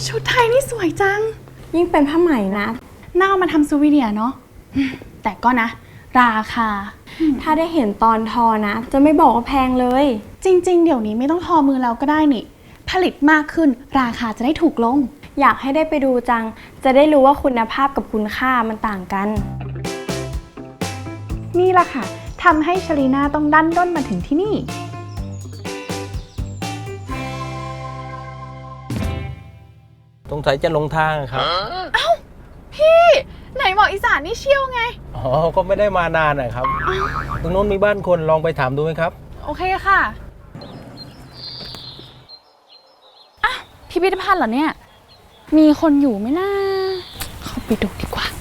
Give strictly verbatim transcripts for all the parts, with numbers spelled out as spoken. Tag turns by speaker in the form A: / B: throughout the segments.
A: ชุดไทยนี่สวยจัง
B: ยิ่งเป็นผ้าไหมนะ
A: น่าเอามาทำซูวิเนียร์เนาะแต่ก็นะราคา
B: ถ้าได้เห็นตอนทอนะจะไม่บอกว่าแพงเลย
A: จริงๆเดี๋ยวนี้ไม่ต้องทอมือแล้วก็ได้นี่ผลิตมากขึ้นราคาจะได้ถูกลง
B: อยากให้ได้ไปดูจังจะได้รู้ว่าคุณภาพกับคุณค่ามันต่างกัน
A: นี่แหละค่ะทำให้ชลีน่าต้องดันด้นมาถึงที่นี่
C: สงสัยจะลงทางครับ
A: เอ้าพี่ไหนบอกอีสานนี่เชี่ยวไง
C: อ๋อก็ไม่ได้มานานนะครับตรงโน้นมีบ้านคนลองไปถามดูไหมครับ
A: โอเคค่ะอ่ะพิพิธภัณฑ์เหรอเนี่ยมีคนอยู่ไหมนะเข้าไปดูดีกว่า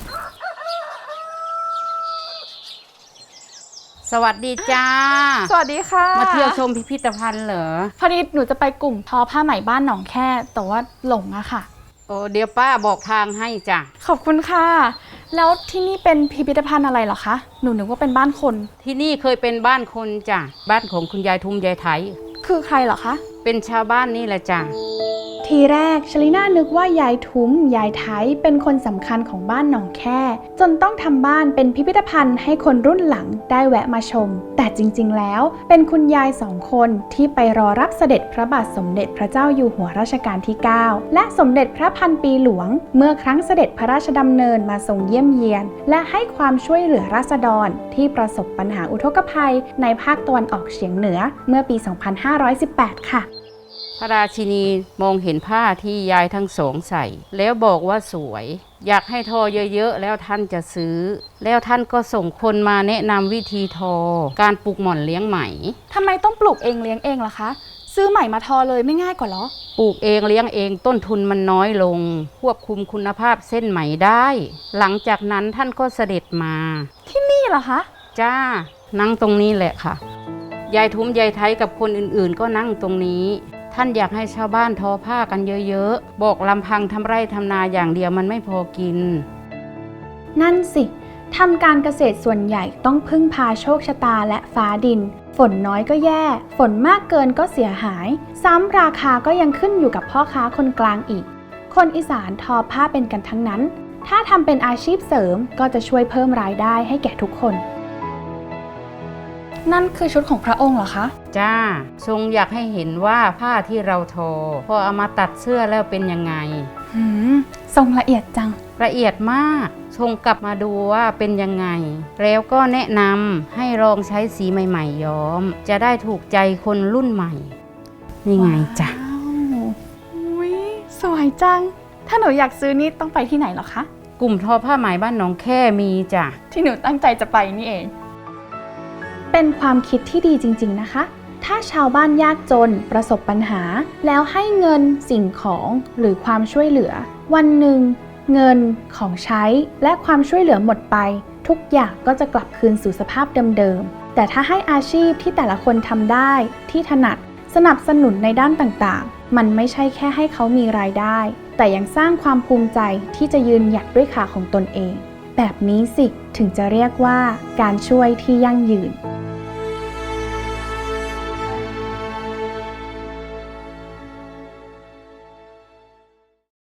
D: สวัสดีจ้า
A: สวัสดีค่ะ
D: มาเที่ยวชมพิพิธภัณฑ์เหรอ
A: พอดีหนูจะไปกลุ่มทอผ้าไหมบ้านหนองแค่แต่ว่าหลงอะค่ะ
D: โอ้เดี๋ยวป้าบอกทางให้จ้ะ
A: ขอบคุณค่ะแล้วที่นี่เป็นพิพิธภัณฑ์อะไรเหรอคะหนูนึกว่าเป็นบ้านคน
D: ที่นี่เคยเป็นบ้านคนจ้ะบ้านของคุณยายทุมยายไถ
A: คือใครเหรอคะ
D: เป็นชาวบ้านนี่แหละจ้ะ
A: ทีแรกชลิน่านึกว่ายายทุ้มยายไทยเป็นคนสำคัญของบ้านหนองแค่จนต้องทำบ้านเป็นพิพิธภัณฑ์ให้คนรุ่นหลังได้แวะมาชมแต่จริงๆแล้วเป็นคุณยายสองคนที่ไปรอรับเสด็จพระบาทสมเด็จพระเจ้าอยู่หัวรัชกาลที่เก้าและสมเด็จพระพันปีหลวงเมื่อครั้งเสด็จพระราชดำเนินมาทรงเยี่ยมเยียนและให้ความช่วยเหลือราษฎรที่ประสบปัญหาอุทกภัยในภาคตะวันออกเฉียงเหนือเมื่อปี สองพันห้าร้อยสิบแปด ค่ะ
D: พระราชินีมองเห็นผ้าที่ยายทั้งสองใส่แล้วบอกว่าสวยอยากให้ทอเยอะๆแล้วท่านจะซื้อแล้วท่านก็ส่งคนมาแนะนำวิธีทอการปลูกหม่อนเลี้ยงไหม
A: ทำไมต้องปลูกเองเลี้ยงเองล่ะคะซื้อไหมมาทอเลยไม่ง่ายกว่าหรอ
D: ปลูกเองเลี้ยงเองต้นทุนมันน้อยลงควบคุมคุณภาพเส้นไหมได้หลังจากนั้นท่านก็เสด็จมา
A: ที่นี่เหรอคะ
D: จ้านั่งตรงนี้แหละค่ะยายทุ้มยายไทยกับคนอื่นๆก็นั่งตรงนี้ท่านอยากให้ชาวบ้านทอผ้ากันเยอะๆบอกลำพังทำไร่ทำนาอย่างเดียวมันไม่พอกิน
A: นั่นสิทำการเกษตรส่วนใหญ่ต้องพึ่งพาโชคชะตาและฟ้าดินฝนน้อยก็แย่ฝนมากเกินก็เสียหายซ้ำราคาก็ยังขึ้นอยู่กับพ่อค้าคนกลางอีกคนอีสานทอผ้าเป็นกันทั้งนั้นถ้าทำเป็นอาชีพเสริมก็จะช่วยเพิ่มรายได้ให้แก่ทุกคนนั่นคือชุดของพระองค์เหรอคะ
D: จ้าทรงอยากให้เห็นว่าผ้าที่เราทอพอเอามาตัดเสื้อแล้วเป็นยังไง
A: หืมทรงละเอียดจัง
D: ละเอียดมากทรงกลับมาดูว่าเป็นยังไงแล้วก็แนะนำให้ลองใช้สีใหม่ๆย้อมจะได้ถูกใจคนรุ่นใหม่นี่ไงจ้ะ
A: อุ้ยสวยจังถ้าหนูอยากซื้อนี่ต้องไปที่ไหนเหรอคะ
D: กลุ่มทอผ้าไหมบ้านหนองแค่มีจ้ะ
A: ที่หนูตั้งใจจะไปนี่เองเป็นความคิดที่ดีจริงๆนะคะถ้าชาวบ้านยากจนประสบปัญหาแล้วให้เงินสิ่งของหรือความช่วยเหลือวันหนึ่งเงินของใช้และความช่วยเหลือหมดไปทุกอย่างก็จะกลับคืนสู่สภาพเดิมๆแต่ถ้าให้อาชีพที่แต่ละคนทำได้ที่ถนัดสนับสนุนในด้านต่างๆมันไม่ใช่แค่ให้เขามีรายได้แต่ยังสร้างความภูมิใจที่จะยืนหยัดด้วยขาของตนเองแบบนี้สิถึงจะเรียกว่าการช่วยที่ยั่งยืน